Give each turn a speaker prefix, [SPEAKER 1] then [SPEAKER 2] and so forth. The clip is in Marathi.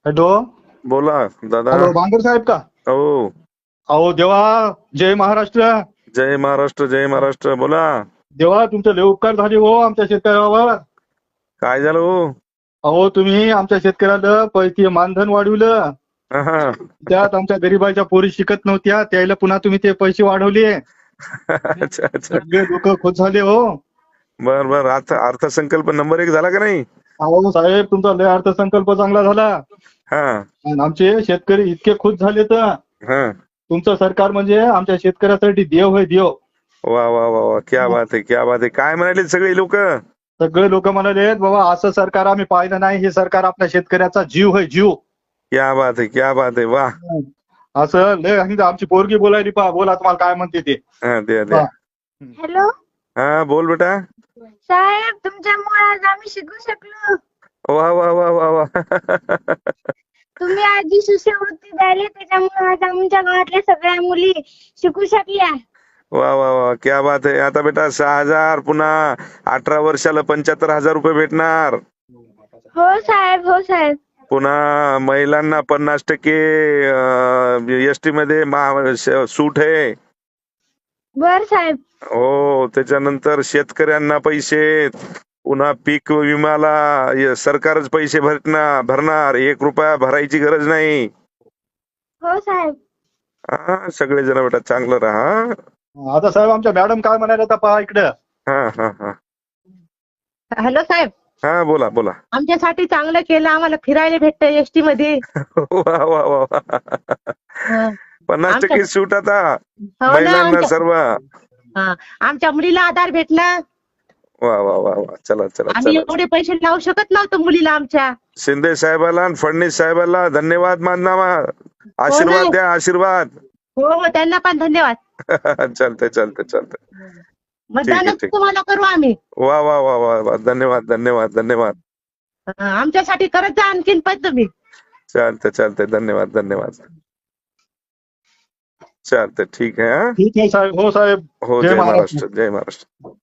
[SPEAKER 1] हॅलो.
[SPEAKER 2] बोला दादा.
[SPEAKER 1] हॅलो, बांगर साहेब का?
[SPEAKER 2] हो.
[SPEAKER 1] अहो देवा, जय महाराष्ट्र.
[SPEAKER 2] जय महाराष्ट्र, जय महाराष्ट्र. बोला.
[SPEAKER 1] देवा, तुमचे लय उपकार झाले हो आमच्या शेतकऱ्यावर.
[SPEAKER 2] काय झालं हो?
[SPEAKER 1] अहो, तुम्ही आमच्या शेतकऱ्याला पैसे मानधन वाढवलं.
[SPEAKER 2] हा.
[SPEAKER 1] त्यात आमच्या गरीबाच्या पोरी शिकत नव्हत्या, त्याला पुन्हा तुम्ही ते पैसे वाढवले.
[SPEAKER 2] अच्छा अच्छा.
[SPEAKER 1] सगळे लोक खुश झाले हो.
[SPEAKER 2] बर बर. अर्थसंकल्प नंबर 1 झाला का नाही?
[SPEAKER 1] अहो साहेब, तुमचा लय अर्थसंकल्प चांगला झाला.
[SPEAKER 2] हा
[SPEAKER 1] आणि आमचे शेतकरी इतके खुश झाले तर
[SPEAKER 2] हा.
[SPEAKER 1] तुमचं सरकार म्हणजे आमच्या शेतकऱ्यासाठी देव आहे, देव.
[SPEAKER 2] वा वा वा वा. क्या बात आहे, क्या बात आहे. काय म्हणाले सगळे लोक?
[SPEAKER 1] सगळे लोक म्हणाले, बाबा असं सरकार आम्ही पाहिलं नाही, हे सरकार आपल्या शेतकऱ्याचा जीव आहे, जीव.
[SPEAKER 2] क्या बात आहे, क्या बात आहे. वा.
[SPEAKER 1] असं लय. आणि आमची पोरगी बोलायली, पहा बोला तुम्हाला काय म्हणते ते.
[SPEAKER 2] हा द्या द्या.
[SPEAKER 3] हॅलो
[SPEAKER 2] हा बोल बेटा.
[SPEAKER 3] साहेब, तुमच्यामुळे आज आम्ही शिकू शकलो.
[SPEAKER 2] वा वा वा वा वा.
[SPEAKER 3] तुम्ही आज जी शिष्यवृत्ती द्यायला त्याच्यामुळे आज आमच्या गावातल्या सगळ्या मुली शिकू शकल्या.
[SPEAKER 2] वा वा वा. क्या बात आहे. आता बेटा 6,000 पुन्हा 18 वर्षाला 75,000 रुपये भेटणार.
[SPEAKER 3] हो साहेब, हो साहेब.
[SPEAKER 2] पुन्हा महिलांना 50% एसटी मध्ये सूट आहे.
[SPEAKER 3] बर साहेब.
[SPEAKER 2] हो. त्याच्यानंतर शेतकऱ्यांना पैसे, पुन्हा पीक विम्याला सरकारच पैसे भरणार. 1 रुपया भरायची गरज नाही.
[SPEAKER 3] हो साहेब.
[SPEAKER 2] हा. सगळेजण बेटा चांगलं राहा.
[SPEAKER 1] आता साहेब आमच्या मॅडम काय म्हणाल्या तर पहा इकडे.
[SPEAKER 2] हा हा हा.
[SPEAKER 4] हॅलो साहेब,
[SPEAKER 2] हा बोला बोला.
[SPEAKER 4] आमच्यासाठी चांगलं केलं, आम्हाला फिरायला भेटतं एसटी मध्ये.
[SPEAKER 2] वा वा वा वा.
[SPEAKER 4] हं.
[SPEAKER 2] 50% सूट आता
[SPEAKER 4] हो ना,
[SPEAKER 2] महिलांना सर्व.
[SPEAKER 4] आमच्या मुलीला आधार भेटला.
[SPEAKER 2] वा वा वा वा. चला चला
[SPEAKER 4] आम्ही
[SPEAKER 2] चला.
[SPEAKER 4] एवढे पैसे लावू शकत नव्हतो मुलीला आमच्या.
[SPEAKER 2] शिंदे साहेबाला आणि फडणवीस साहेबाला धन्यवाद माननामा. आशीर्वाद द्या, आशीर्वाद.
[SPEAKER 4] हो हो, त्यांना पण धन्यवाद.
[SPEAKER 2] चालतंय चालतंय चालतंय.
[SPEAKER 4] मतदानच
[SPEAKER 2] ठीक.
[SPEAKER 4] तुम्हाला करू आम्ही.
[SPEAKER 2] वा वा वा वा वा. धन्यवाद धन्यवाद धन्यवाद.
[SPEAKER 4] आमच्यासाठी करत जा आणखीन पण तुम्ही.
[SPEAKER 2] चालतंय चालतंय. धन्यवाद धन्यवाद. चालतंय. ठीक आहे. हा.
[SPEAKER 1] ठीक आहे साहेब. हो साहेब.
[SPEAKER 2] हो. जय महाराष्ट्र, जय महाराष्ट्र.